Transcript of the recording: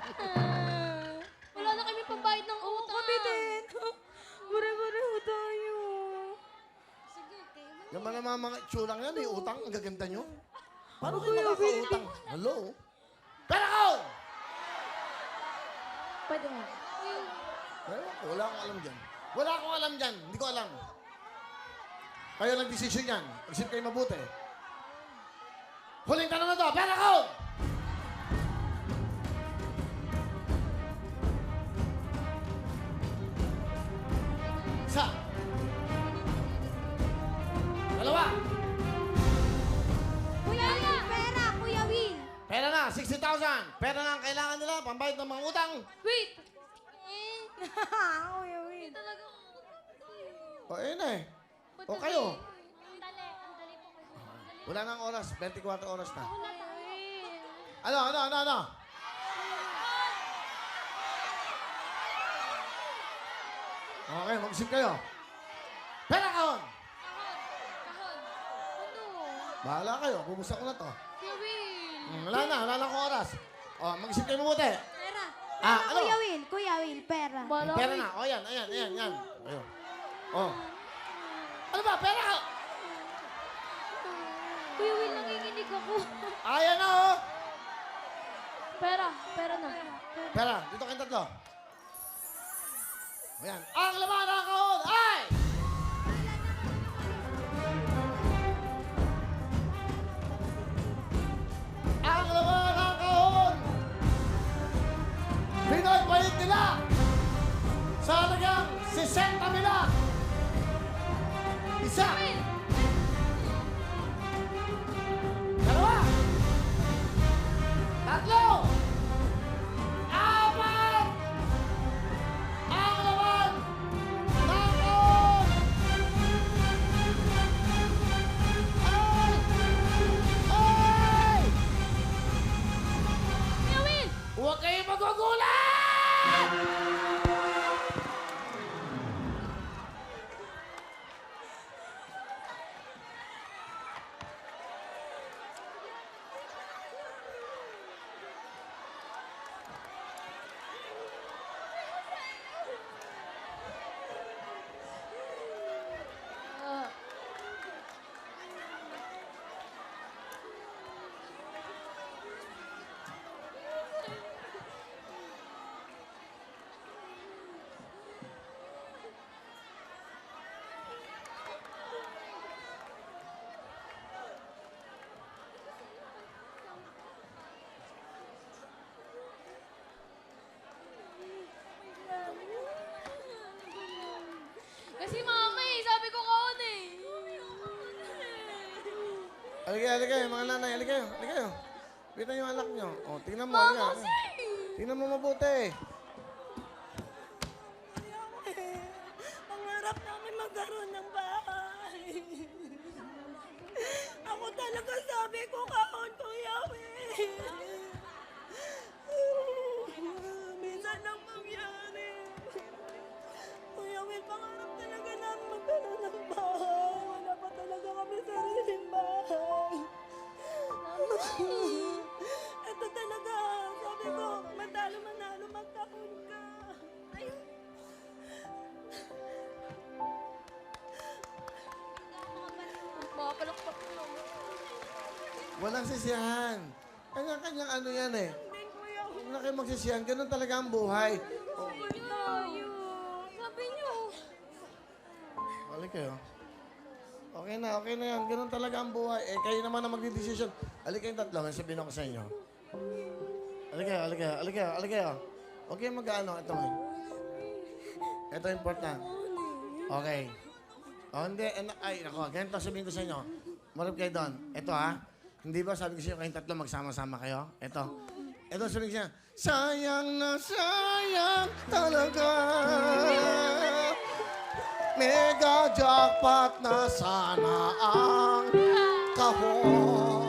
Wala na kami pambayad ng Oo, utang. kami din. Pare-pareho tayo. Sige, kayo man. Yung mga itsurang yan, may utang. Ang gaganda nyo. Paano kayo makakautang? Hello? Pera ko! Pwede nga. Wala akong alam dyan. Wala akong alam dyan. Hindi ko alam. Kayo nag-desisyon yan. Isip kayo mabuti. Huling tanong na to. Pera ko! Isa. Dalawa. Kuya Will, pera, Kuya Will. Pera na, 60,000. Pera na ang kailangan nila, pambayad ng mga utang. Wait! Kuya Will. Talaga. O, ayun na eh. O kayo. Ang dali po kayo. Wala nang oras, 24 oras na. Wala tayo. Ano? Okay, mag-isip kayo. Pera kahon! Kahon. Ano? Bahala kayo, bubuksan ko na to. Kuya Will. Wala na akong oras. O, mag-isip kayo mabuti. Pera. Ano? Kuya Will, pera. Bala Pera ko na. O, yan. Ayun. O. Ano ba? Pera ka! Kuya Will, nanginginig ako. Ayan na, oh! Pera na. Pera, dito kayong tatlo. Ayan. Ang laman ng kahon ay... Ang laman ng kahon! Pinoy-palit nila sa halagang 60 nila. Isa. Dalawa. Tatlo. Apat. Ang laman ng kahon ay... Kuya Will! Huwag kayong magugulat! Kasi mama sabi ko kahon eh. Halika, mga nanay, halika kayo. Kita yung anak nyo. O, tingnan mo, Mama, halika. Tingnan mo mabuti. Pangarap namin magkaroon ng bahay. Ako talaga sabi ko kahon, Kuya Will. Minsan lang mangyari. Kuya Will, pangarap talaga namin magkaroon ng bahay. Wala pa talaga kami sariling bahay. Ito talaga, sabi ko, manalo, magkahon ka. Ayun. Makapalakpak mo. Walang sisiyahan. Kanya-kanyang ano yan eh. Hindi, Kuya Will. Huwag na kayo magsisiyahan. Ganun talaga ang buhay. O, Tayo. Sabi niyo. balik kayo. Okay na yan. Ganun talaga ang buhay. Eh, kayo naman ang magdidesisyon. Halika kayong tatlo. May sabihin ako sa inyo. Halika kayo. Huwag kayong mag-ano. Ito nga. Ito important. Okay. O, hindi. Ay, ako. Ganito sabihin ko sa inyo. Marap kayo doon. Ito ha. Hindi ba sabi ko sa inyo kayong tatlo magsama-sama kayo? Ito sabihin ko siya. Sayang na sayang talaga. Mega jackpot na sana ang kahon.